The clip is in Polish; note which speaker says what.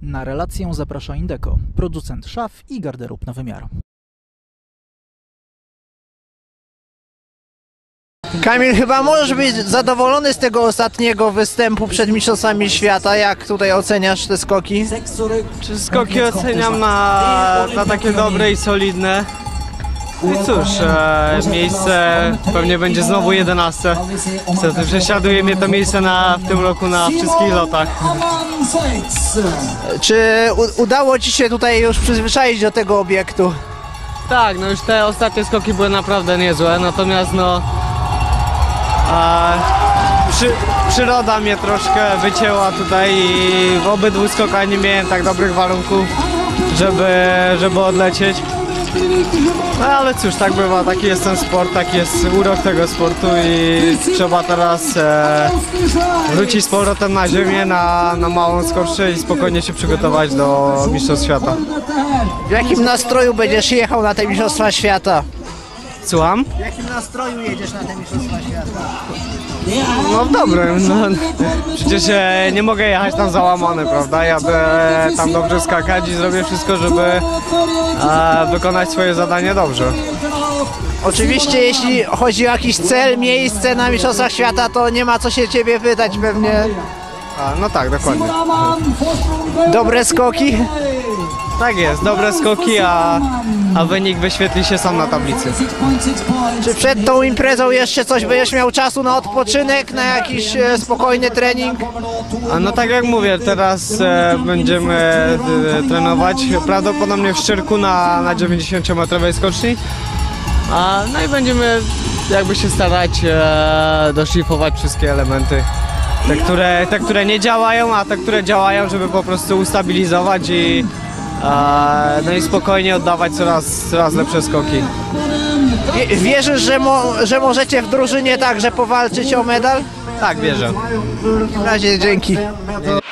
Speaker 1: Na relację zaprasza Indeco, producent szaf i garderób na wymiar.
Speaker 2: Kamil, chyba możesz być zadowolony z tego ostatniego występu przed Mistrzostwami Świata. Jak tutaj oceniasz te skoki?
Speaker 3: Czy skoki oceniam na takie dobre i solidne. I cóż, miejsce pewnie będzie znowu 11. Niestety prześladuje mnie to miejsce w tym roku na wszystkich lotach.
Speaker 2: Czy udało Ci się tutaj już przyzwyczaić do tego obiektu?
Speaker 3: Tak, no już te ostatnie skoki były naprawdę niezłe, natomiast przyroda mnie troszkę wycięła tutaj i w obydwu skokach nie miałem tak dobrych warunków, żeby odlecieć. No ale cóż, tak bywa, taki jest ten sport, taki jest urok tego sportu i trzeba teraz wrócić z powrotem na ziemię, na małą skocznię i spokojnie się przygotować do Mistrzostw Świata.
Speaker 2: W jakim nastroju będziesz jechał na te Mistrzostwa Świata?
Speaker 3: Słucham?
Speaker 2: W jakim nastroju jedziesz na te Mistrzostwa Świata?
Speaker 3: No w dobrym, no. Przecież nie mogę jechać tam załamany, prawda? Jadę tam dobrze skakać i zrobię wszystko, żeby wykonać swoje zadanie dobrze.
Speaker 2: Oczywiście jeśli chodzi o jakiś cel, miejsce na Mistrzostwach Świata, to nie ma co się Ciebie pytać pewnie.
Speaker 3: No tak, dokładnie.
Speaker 2: Dobre skoki?
Speaker 3: Tak jest, dobre skoki, a wynik wyświetli się sam na tablicy.
Speaker 2: Czy przed tą imprezą jeszcze coś będziesz miał czasu na odpoczynek, na jakiś spokojny trening?
Speaker 3: No tak jak mówię, teraz będziemy trenować prawdopodobnie w Szczyrku na 90-metrowej skoczni. No i będziemy jakby się starać doszlifować wszystkie elementy. Te, które nie działają, a te, które działają, żeby po prostu ustabilizować no i spokojnie oddawać coraz lepsze skoki.
Speaker 2: Wierzysz, że możecie w drużynie także powalczyć o medal?
Speaker 3: Tak, wierzę.
Speaker 2: W takim razie dzięki.